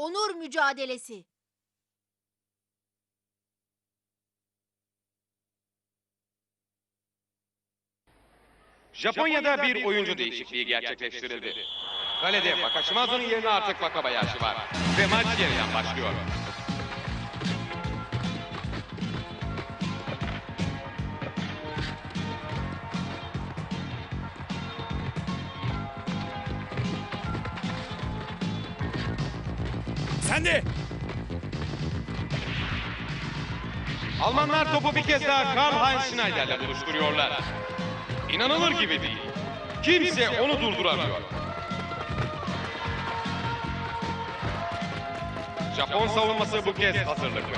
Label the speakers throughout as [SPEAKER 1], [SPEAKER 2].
[SPEAKER 1] Onur mücadelesi.
[SPEAKER 2] Japonya'da bir oyuncu değişikliği gerçekleştirildi. Kalede Wakashimazu'nun yerine artık Wakabayashi var ve maç yeniden başlıyor.
[SPEAKER 3] Sen de!
[SPEAKER 2] Almanlar topu bir kez daha Karl-Heinz Schneider'le buluşturuyorlar. İnanılır gibi değil. Kimse onu durduramıyor. Japon savunması bu kez hazırlıklı.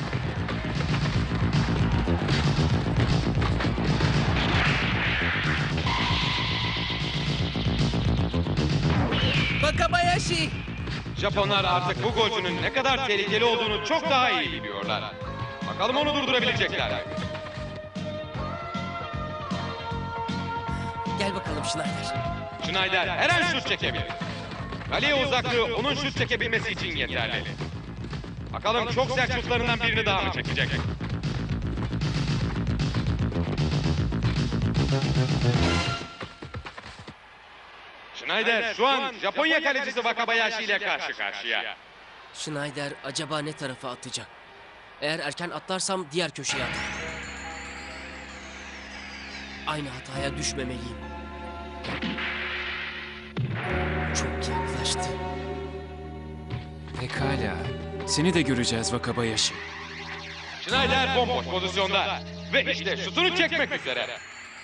[SPEAKER 4] Wakabayashi!
[SPEAKER 2] Japonlar artık bu golcünün ne kadar tehlikeli olduğunu çok daha iyi biliyorlar. Bakalım onu durdurabilecekler mi?
[SPEAKER 4] Gel bakalım Schneider.
[SPEAKER 2] Schneider her an şut çekebilir. Kaleye uzaklığı onun şut çekebilmesi için yeterli. Bakalım çok sert şutlarından birini daha mı çekecek? Schneider şu an Japonya kalecisi Wakabayashi ile karşı karşıya.
[SPEAKER 4] Schneider acaba ne tarafa atacak? Eğer erken atlarsam diğer köşeye atar. Aynı hataya düşmemeliyim. Çok yaklaştı.
[SPEAKER 3] Pekala. Seni de göreceğiz Wakabayashi.
[SPEAKER 2] Schneider bomboş pozisyonda ve işte şutunu çekmek üzere.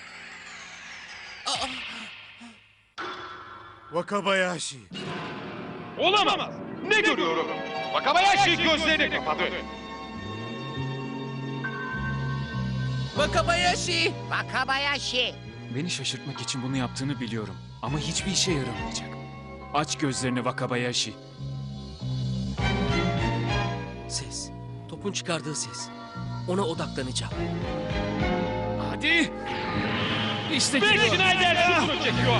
[SPEAKER 5] Wakabayashi.
[SPEAKER 2] Olamaz. Ne görüyorum? Wakabayashi gözlerini kapadı.
[SPEAKER 4] Wakabayashi!
[SPEAKER 6] Wakabayashi.
[SPEAKER 3] Beni şaşırtmak için bunu yaptığını biliyorum. Ama hiçbir işe yaramayacak. Aç gözlerini Wakabayashi.
[SPEAKER 4] Ses. Topun çıkardığı ses. Ona odaklanacağım.
[SPEAKER 3] Hadi! İşte
[SPEAKER 2] Ve
[SPEAKER 3] geliyor.
[SPEAKER 2] Schneider şutunu çekiyor.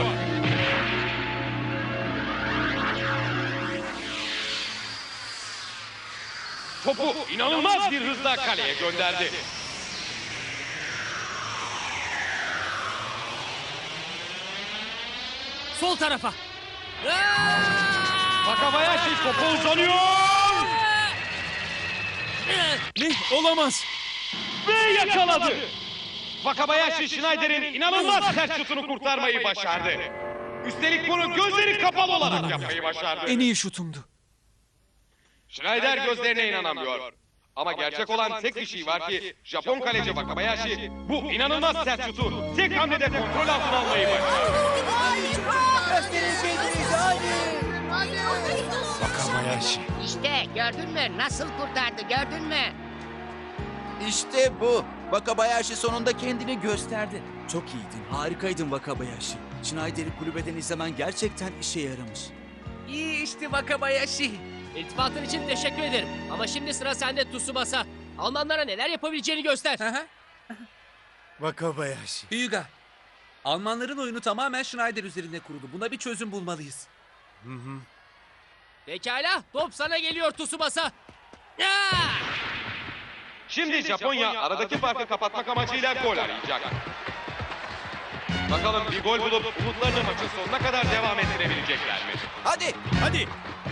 [SPEAKER 2] Topu inanılmaz bir hızla kaleye gönderdi.
[SPEAKER 4] Sol tarafa.
[SPEAKER 2] Wakabayashi topu uzanıyor
[SPEAKER 3] Ne? Olamaz.
[SPEAKER 2] ve yakaladı. Wakabayashi Schneider'in inanılmaz sert şutunu kurtarmayı başardı. Üstelik bunu gözleri kapalı olarak yapmayı başardı.
[SPEAKER 3] En iyi şutumdu.
[SPEAKER 2] Schneider gözlerine inanamıyor. Ama gerçek olan tek bir şey var ki Japon kaleci Wakabayashi bu inanılmaz sert şutu tek hamlede kontrol altına almayı başardı.
[SPEAKER 5] Wakabayashi.
[SPEAKER 6] İşte gördün mü? Nasıl kurtardı gördün mü?
[SPEAKER 7] İşte bu. Wakabayashi sonunda kendini gösterdi.
[SPEAKER 8] Çok iyiydin, harikaydın Wakabayashi. Schneider'i kulübeden izlemen gerçekten işe yaramış.
[SPEAKER 4] İyi işte Wakabayashi. İltifatın için teşekkür ederim. Ama şimdi sıra sende Tsubasa. Almanlara neler yapabileceğini göster.
[SPEAKER 5] Wakabayashi.
[SPEAKER 9] Hyuga, Almanların oyunu tamamen Schneider üzerine kurulu. Buna bir çözüm bulmalıyız.
[SPEAKER 4] Pekala, top sana geliyor Tsubasa.
[SPEAKER 2] Şimdi Japonya aradaki farkı kapatmak amacıyla gol arayacak. Bakalım bir gol bulup umutlarını maçın sonuna kadar devam ettirebilecekler mi?
[SPEAKER 7] Hadi.
[SPEAKER 3] Hadi!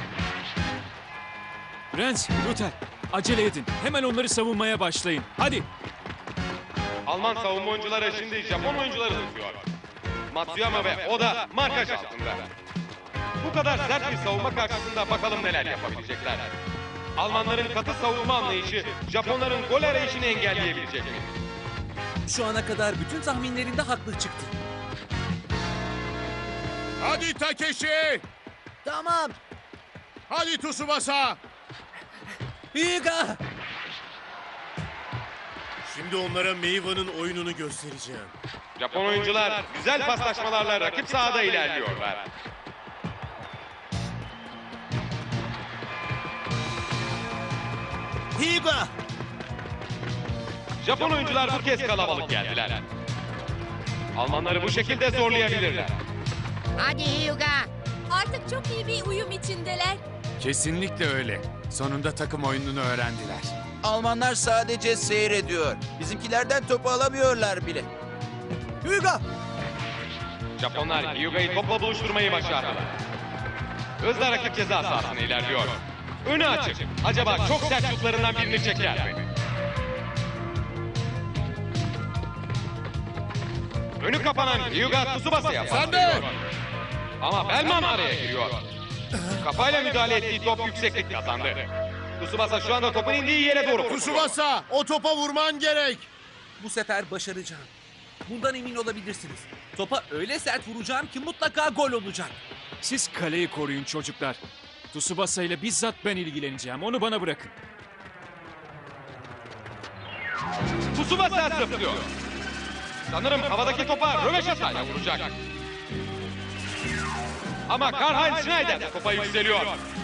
[SPEAKER 3] Renz, Luther, acele edin. Hemen onları savunmaya başlayın. Hadi!
[SPEAKER 2] Alman savunma oyuncuları şimdi Japon oyuncuları tutuyor. Matsuyama ve Oda markaj altında. Bu kadar sert bir savunma karşısında bakalım neler yapabilecekler. Almanların katı savunma anlayışı Japonların gol arayışını engelleyebilecek mi?
[SPEAKER 9] Şu ana kadar bütün tahminlerinde haklı çıktı.
[SPEAKER 5] Hadi Takeshi.
[SPEAKER 4] Tamam.
[SPEAKER 5] Hadi Tsubasa.
[SPEAKER 9] Hyuga!
[SPEAKER 5] Şimdi onlara Meiwa'nın oyununu göstereceğim.
[SPEAKER 2] Japon oyuncular güzel paslaşmalarla rakip sahada ilerliyorlar.
[SPEAKER 8] Hyuga!
[SPEAKER 2] Japon oyuncular bu kez kalabalık geldiler. Almanları bu şekilde zorlayabilirler.
[SPEAKER 6] Hadi Hyuga.
[SPEAKER 1] Artık çok iyi bir uyum içindeler. Kesinlikle öyle. Sonunda takım oyununu öğrendiler.
[SPEAKER 7] Almanlar sadece seyrediyor. Bizimkilerden topu alamıyorlar bile.
[SPEAKER 8] Hyuga!
[SPEAKER 2] Japonlar Hyuga'yı topla buluşturmayı başardılar. Hızla rakip ceza sahasına ilerliyor. Önü açık. Acaba çok sert şutlarından birini çeker mi? Önü kapanan Hyuga Tsubasa'ya paslıyor. Ama Belman araya giriyor. Kafayla müdahale ettiği top yükseklik kazandı. Tsubasa şu anda topun indiği yere doğru koşuyor.
[SPEAKER 5] Tsubasa, o topa vurman gerek.
[SPEAKER 9] Bu sefer başaracağım. Bundan emin olabilirsiniz. Topa öyle sert vuracağım ki mutlaka gol olacak.
[SPEAKER 3] Siz kaleyi koruyun çocuklar. Tsubasa ile bizzat ben ilgileneceğim. Onu bana bırakın.
[SPEAKER 2] Tsubasa zıplıyor. Sanırım havadaki topa röveşatayla vuracak. Ama Karl-Heinz Schneider de topa yükseliyor.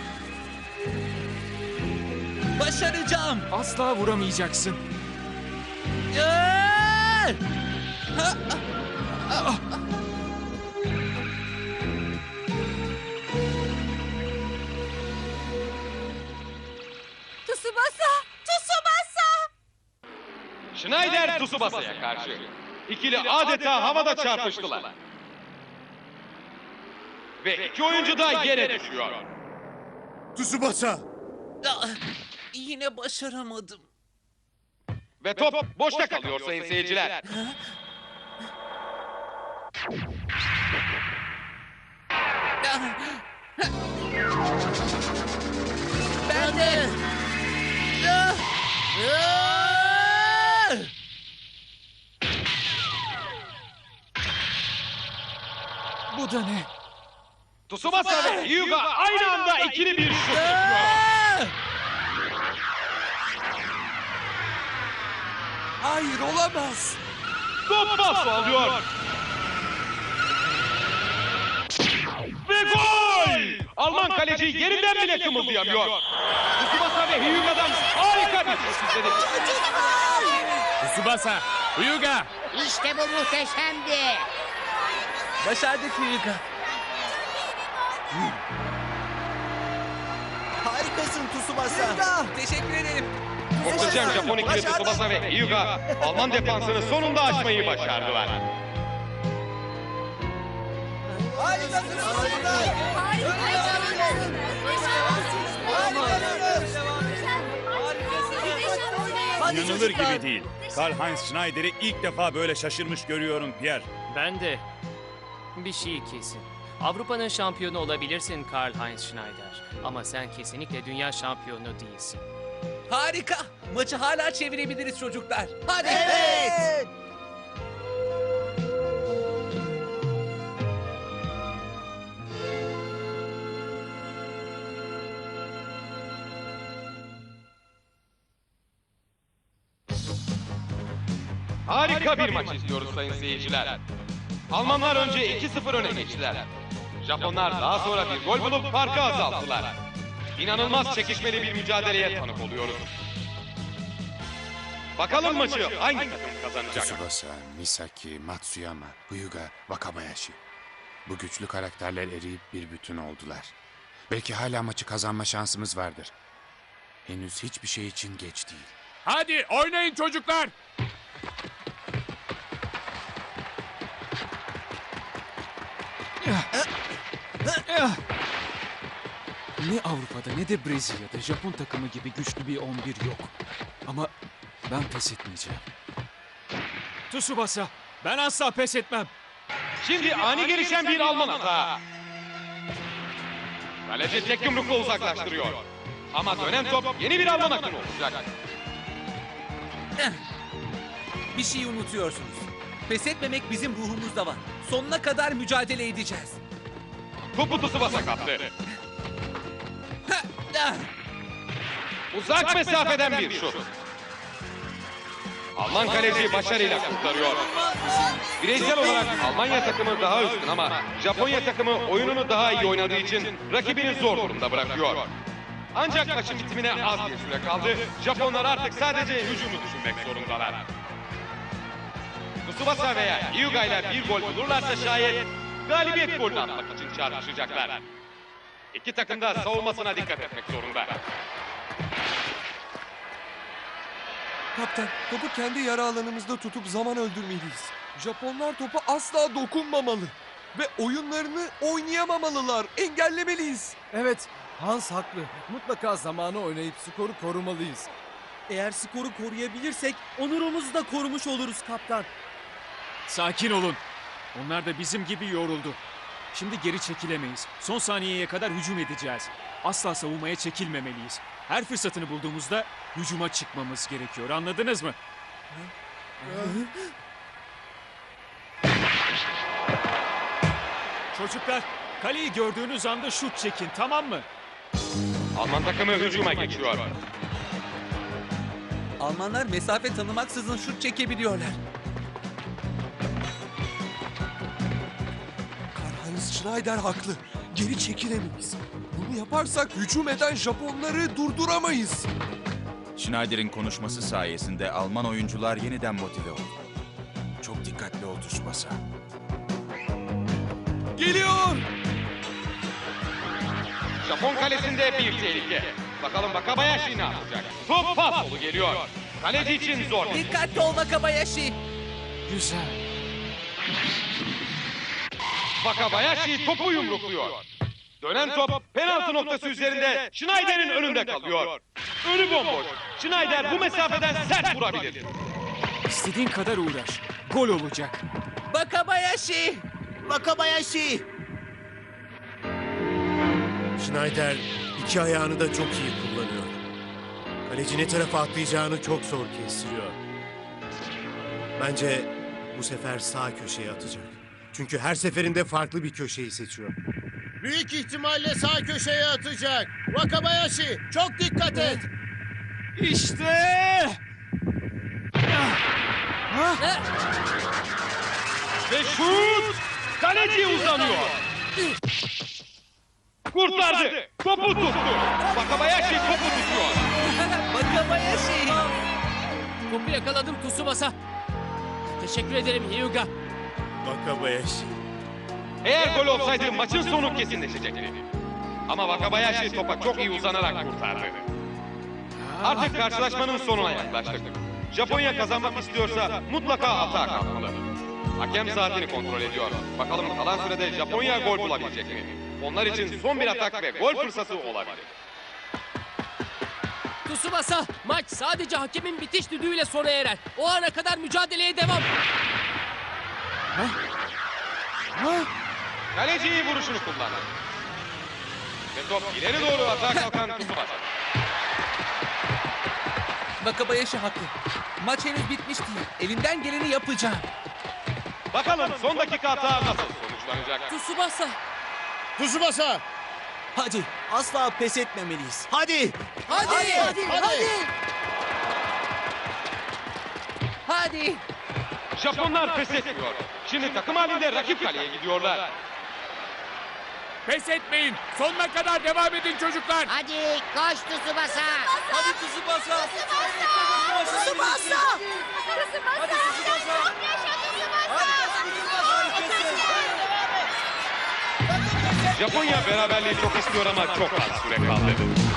[SPEAKER 9] Başaracağım.
[SPEAKER 3] Asla vuramayacaksın.
[SPEAKER 9] Aa!
[SPEAKER 10] Tsubasa! Tsubasa!
[SPEAKER 2] Schneider Tsubasa'ya karşı. İkili adeta havada çarpıştılar. Ve iki oyuncu da yere düşüyor.
[SPEAKER 5] Tsubasa.
[SPEAKER 9] Ah, Yine başaramadım.
[SPEAKER 2] Ve top boşta kalıyor sayın seyirciler.
[SPEAKER 9] Ben de. Ah! Ah!
[SPEAKER 3] Bu da ne?
[SPEAKER 2] Tsubasa ve Hyuga aynı anda ikili bir şut yapıyor.
[SPEAKER 9] Ah!
[SPEAKER 8] Hayır olamaz.
[SPEAKER 2] Top pas alıyor. Ve gol! Alman kaleci yerinden bile kımıldayamıyor. Tsubasa ve Hyuga'dan harika bir şut izledik.
[SPEAKER 1] Tsubasa, Hyuga.
[SPEAKER 6] İşte bu muhteşemdi.
[SPEAKER 9] Başardık Hyuga.
[SPEAKER 8] Harikasın Tsubasa.
[SPEAKER 9] Teşekkür ederim.
[SPEAKER 2] Muhteşem Japon ikili Tsubasa ve Hyuga Alman defansını sonunda aşmayı başardılar.
[SPEAKER 8] Harikasın Tsubasa.
[SPEAKER 11] İnanılır gibi değil. Karl-Heinz Schneider'i ilk defa böyle şaşırmış görüyorum Pierre.
[SPEAKER 4] Ben de. Bir şey kesin. Avrupa'nın şampiyonu olabilirsin Karl-Heinz Schneider. Ama sen kesinlikle dünya şampiyonu değilsin.
[SPEAKER 9] Harika. Maçı hala çevirebiliriz çocuklar. Hadi.
[SPEAKER 8] Evet.
[SPEAKER 2] Harika bir maç izliyoruz sayın seyirciler. Almanlar önce 2-0 öne geçtiler. Japonlar daha sonra bir gol bulup farkı azalttılar. İnanılmaz çekişmeli bir mücadeleye tanık oluyoruz. Bakalım maçı hangi takım kazanacak?
[SPEAKER 1] Tsubasa, Misaki, Matsuyama, Hyuga, Wakabayashi. Bu güçlü karakterler eriyip bir bütün oldular. Belki hala maçı kazanma şansımız vardır. Henüz hiçbir şey için geç değil. Hadi oynayın çocuklar!
[SPEAKER 3] Ne Avrupa'da ne de Brezilya'da Japon takımı gibi güçlü bir 11 yok. Ama ben pes etmeyeceğim. Tsubasa, ben asla pes etmem.
[SPEAKER 2] Şimdi ani gelişen bir Alman hata. Kaleci tek yumrukla uzaklaştırıyor. Ama dönen top yeni bir Alman akını olacak.
[SPEAKER 9] Bir şey unutuyorsunuz. Pes etmemek bizim ruhumuzda var. Sonuna kadar mücadele edeceğiz.
[SPEAKER 2] Topu Tsubasa kaptı.
[SPEAKER 9] Ha, ah!
[SPEAKER 2] Uzak mesafeden bir şut. Alman kaleci başarıyla kurtarıyor. Bireysel olarak Almanya takımı daha üstün ama Japonya takımı oyununu daha iyi oynadığı için rakibini zor durumda bırakıyor. Ancak maçın bitimine az bir süre kaldı. Japonlar artık sadece hücumu düşünmek zorundalar. Tsubasa veya Hyuga ile bir gol bulurlarsa şayet galibiyet golünü atmak için çarpışacaklar. İki takım da savunmasına dikkat etmek zorunda.
[SPEAKER 12] Kaptan, topu kendi yarı alanımızda tutup zaman öldürmeliyiz. Japonlar topa asla dokunmamalı. Ve oyunlarını oynayamamalılar. Engellemeliyiz.
[SPEAKER 5] Evet, Hans haklı. Mutlaka zamanı oynayıp skoru korumalıyız.
[SPEAKER 8] Eğer skoru koruyabilirsek onurumuzu da korumuş oluruz kaptan.
[SPEAKER 3] Sakin olun. Onlar da bizim gibi yoruldu. Şimdi geri çekilemeyiz. Son saniyeye kadar hücum edeceğiz. Asla savunmaya çekilmemeliyiz. Her fırsatını bulduğumuzda hücuma çıkmamız gerekiyor. Anladınız mı? Çocuklar, kaleyi gördüğünüz anda şut çekin, tamam mı?
[SPEAKER 2] Alman takımı hücuma geçiyor.
[SPEAKER 9] Almanlar mesafe tanımaksızın şut çekebiliyorlar.
[SPEAKER 12] Karl-Heinz Schneider haklı. Geri çekilemeyiz. Bunu yaparsak hücum eden Japonları durduramayız.
[SPEAKER 7] Schneider'in konuşması sayesinde Alman oyuncular yeniden motive oldu. Çok dikkatli ol Tsubasa.
[SPEAKER 12] Geliyor!
[SPEAKER 2] Japon kalesinde bir tehlike. Bakalım Wakabayashi ne yapacak? Top pas solu geliyor. Kaleci için zor.
[SPEAKER 9] Dikkatli ol Wakabayashi.
[SPEAKER 3] Güzel.
[SPEAKER 2] Wakabayashi topu yumrukluyor. Dönen top penaltı noktası üzerinde Schneider'in önünde kalıyor. Önü bomboş. Schneider bu mesafeden sert vurabilir.
[SPEAKER 3] İstediğin kadar uğraş. Gol olacak.
[SPEAKER 9] Wakabayashi.
[SPEAKER 8] Wakabayashi.
[SPEAKER 5] Schneider iki ayağını da çok iyi kullanıyor. Kaleci ne tarafa atlayacağını çok zor kestiriyor. Bence bu sefer sağ köşeye atacak. Çünkü her seferinde farklı bir köşeyi seçiyor. Büyük ihtimalle sağ köşeye atacak. Wakabayashi, çok dikkat et.
[SPEAKER 3] İşte!
[SPEAKER 2] Ve şut! Kaleci uzanıyor. Kurtardı. Topu tuttu. Wakabayashi topu tutuyor.
[SPEAKER 9] Wakabayashi.
[SPEAKER 4] Topu yakaladım Tsubasa. Teşekkür ederim Hyuga.
[SPEAKER 5] Wakabayashi.
[SPEAKER 2] Eğer gol olsaydı maçın sonu kesinleşecekti. Ama Wakabayashi topa çok iyi uzanarak kurtardı. Artık karşılaşmanın sonuna yaklaştık. Japonya kazanmak istiyorsa mutlaka atağa kalkmalı. Hakem saatini kontrol ediyor. Bakalım kalan sürede Japonya gol bulabilecek mi? Onlar için son bir atak ve gol fırsatı olabilir.
[SPEAKER 4] Tsubasa, maç sadece hakemin bitiş düdüğüyle sona erer. O ana kadar mücadeleye devam.
[SPEAKER 2] Kaleci iyi vuruşunu kullandı. Ve top ileri doğru atağa kalkan Tsubasa.
[SPEAKER 9] Wakabayashi haklı. Maç henüz bitmiş değil. Elimden geleni yapacağım.
[SPEAKER 2] Bakalım son dakika hata nasıl sonuçlanacak?
[SPEAKER 4] Tsubasa.
[SPEAKER 5] Tsubasa!
[SPEAKER 8] Hadi asla pes etmemeliyiz.
[SPEAKER 5] Hadi!
[SPEAKER 9] Hadi.
[SPEAKER 2] Japonlar pes etmiyor. Şimdi takım halinde rakip kaleye gidiyorlar.
[SPEAKER 3] Pes etmeyin. Sonuna kadar devam edin çocuklar.
[SPEAKER 6] Hadi koş Tsubasa.
[SPEAKER 8] Hadi Tsubasa.
[SPEAKER 10] Tsubasa! Hadi Tsubasa! Çok yaşa Tsubasa!
[SPEAKER 2] Japonya beraberliği çok istiyor ama çok az süre kaldı.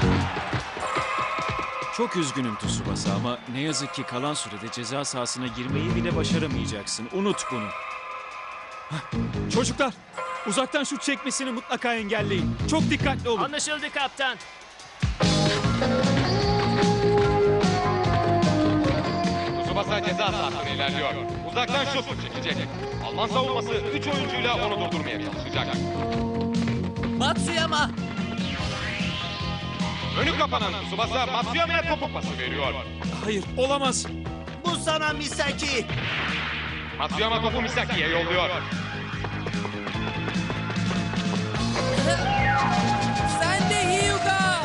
[SPEAKER 3] Çok üzgünüm Tsubasa ama ne yazık ki kalan sürede ceza sahasına girmeyi bile başaramayacaksın. Unut bunu. Hah, çocuklar, uzaktan şut çekmesini mutlaka engelleyin. Çok dikkatli olun.
[SPEAKER 4] Anlaşıldı kaptan.
[SPEAKER 2] Tsubasa ceza sahasına ilerliyor. Uzaktan şut çekecek. Alman savunması 3 oyuncuyla onu durdurmaya çalışacak.
[SPEAKER 9] Matsuyama.
[SPEAKER 2] Önü kapanan Tsubasa Matsuyama'ya topu pası veriyor.
[SPEAKER 3] Hayır, olamaz.
[SPEAKER 8] Bu sana Misaki.
[SPEAKER 2] Matsuyama topu Misaki'ye yolluyor.
[SPEAKER 9] Sen de Hyuga.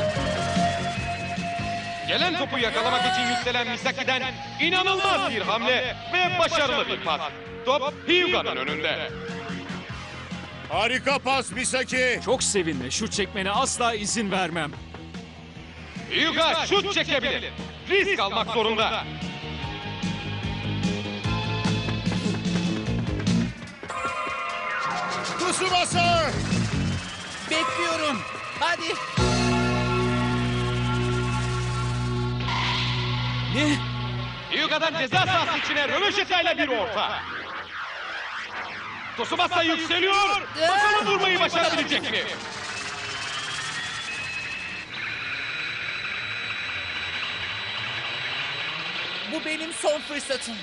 [SPEAKER 2] Gelen topu yakalamak için yükselen Misaki'den inanılmaz bir hamle ve başarılı bir pas. Top Hyuga'nın önünde.
[SPEAKER 5] Harika pas Misaki!
[SPEAKER 3] Çok sevinme, şut çekmene asla izin vermem.
[SPEAKER 2] Hyuga şut çekebilir. Risk almak zorunda.
[SPEAKER 5] Tsubasa!
[SPEAKER 9] Bekliyorum. Hadi.
[SPEAKER 8] Ne?
[SPEAKER 2] Hyuga'dan ceza sahası içine röveşatayla bir orta. Tsubasa yükseliyor. Bakalım vurmayı başarabilecek mi?
[SPEAKER 9] Bu benim son fırsatım.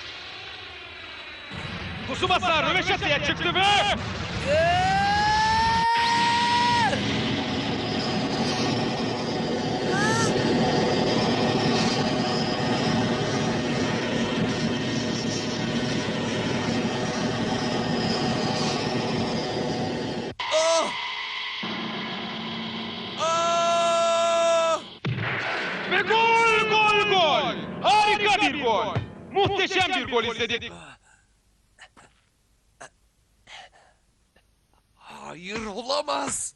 [SPEAKER 2] Tsubasa röveşataya çıktı ve... Ve gol, gol, gol! Harika bir gol! Muhteşem bir gol izledik.
[SPEAKER 12] Hayır, olamaz.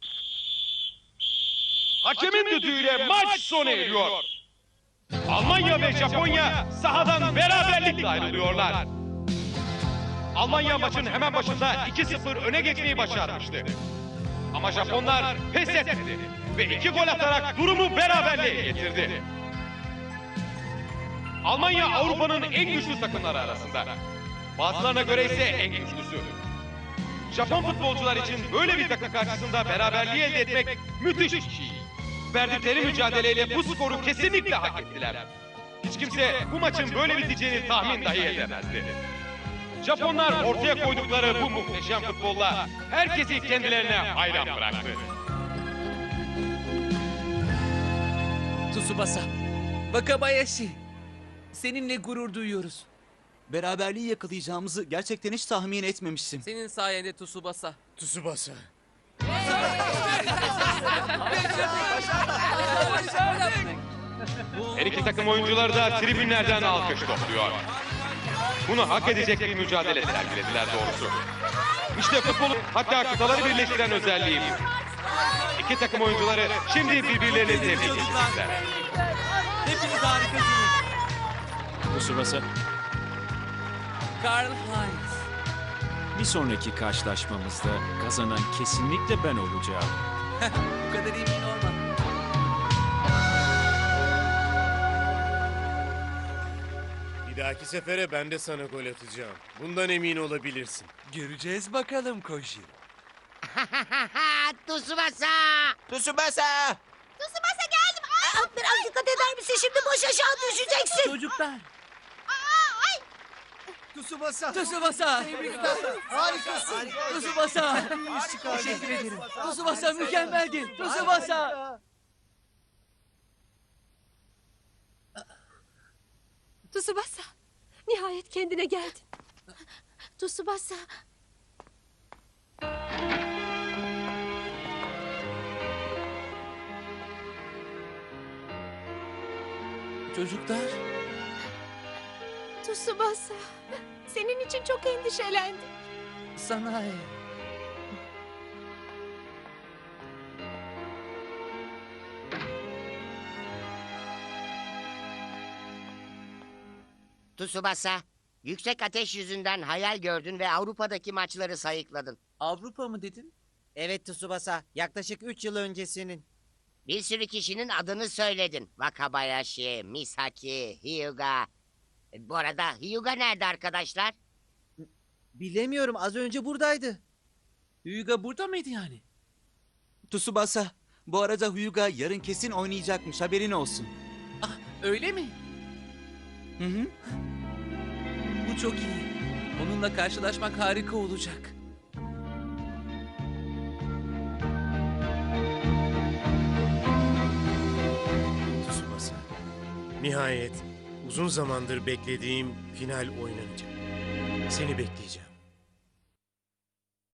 [SPEAKER 2] Hakemin düdüğüyle maç sona eriyor. Almanya ve Japonya sahadan beraberlikle ayrılıyorlar. Almanya maçın hemen başında 2-0 öne geçmeyi başarmıştı. Ama Japonlar pes etmedi ve 2 gol atarak durumu beraberliğe getirdi. Almanya Avrupa'nın en güçlü takımları arasında. Bazılarına göre ise en güçlüsü. Japon futbolcular için böyle bir takım karşısında beraberliği elde etmek müthiş bir şey. Verdikleri mücadeleyle bu skoru kesinlikle hak ettiler. Hiç kimse bu maçın böyle biteceğini tahmin dahi edemezdi. Japonlar ortaya koydukları bu muhteşem futbolla herkesi kendilerine hayran bıraktı.
[SPEAKER 9] Tsubasa, Wakabayashi. Seninle gurur duyuyoruz.
[SPEAKER 8] Beraberliği yakalayacağımızı gerçekten hiç tahmin etmemiştim.
[SPEAKER 9] Senin sayende Tsubasa.
[SPEAKER 5] Tsubasa.
[SPEAKER 2] Her iki takım oyuncuları da tribünlerden alkış topluyor. Bunu hak edecek bir mücadele sergilediler doğrusu. İşte futbolun hatta kıtaları birleştiren özelliği bu. İki takım oyuncuları şimdi birbirlerini tebrik edecekler.
[SPEAKER 8] Hepiniz harikasınız.
[SPEAKER 3] Tsubasa,
[SPEAKER 9] Karl Heinz.
[SPEAKER 3] bir sonraki karşılaşmamızda kazanan kesinlikle ben olacağım.
[SPEAKER 9] Bu kadar emin olma.
[SPEAKER 5] Bir dahaki sefere ben de sana gol atacağım. Bundan emin olabilirsin.
[SPEAKER 12] Göreceğiz bakalım Koji.
[SPEAKER 6] Tsubasa!
[SPEAKER 8] Tsubasa!
[SPEAKER 10] Tsubasa geldim. Biraz dikkat eder misin? Şimdi boş aşağı düşeceksin.
[SPEAKER 9] Çocuklar.
[SPEAKER 5] Tsubasa!
[SPEAKER 9] Tsubasa.
[SPEAKER 5] Harikasın!
[SPEAKER 9] Tsubasa. Teşekkür ederim. Tsubasa mükemmeldi. Tsubasa.
[SPEAKER 10] Tsubasa. Nihayet kendine geldin. Tsubasa.
[SPEAKER 9] Çocuklar.
[SPEAKER 10] Tsubasa. Senin için çok endişelendim.
[SPEAKER 9] Sanae.
[SPEAKER 6] Tsubasa, yüksek ateş yüzünden hayal gördün ve Avrupa'daki maçları sayıkladın.
[SPEAKER 9] Avrupa mı dedin?
[SPEAKER 13] Evet Tsubasa, yaklaşık 3 yıl öncesinin.
[SPEAKER 6] Bir sürü kişinin adını söyledin. Wakabayashi, Misaki, Hyuga. Bu arada Hyuga nerede arkadaşlar?
[SPEAKER 13] Bilemiyorum, az önce buradaydı.
[SPEAKER 9] Hyuga burada mıydı yani?
[SPEAKER 8] Tsubasa, bu arada Hyuga yarın kesin oynayacakmış, haberin olsun.
[SPEAKER 9] Ah, öyle mi?
[SPEAKER 8] Hı hı.
[SPEAKER 9] Bu çok iyi. Onunla karşılaşmak harika olacak.
[SPEAKER 5] Tsubasa. Nihayet uzun zamandır beklediğim final oynanacak. Seni bekleyeceğim.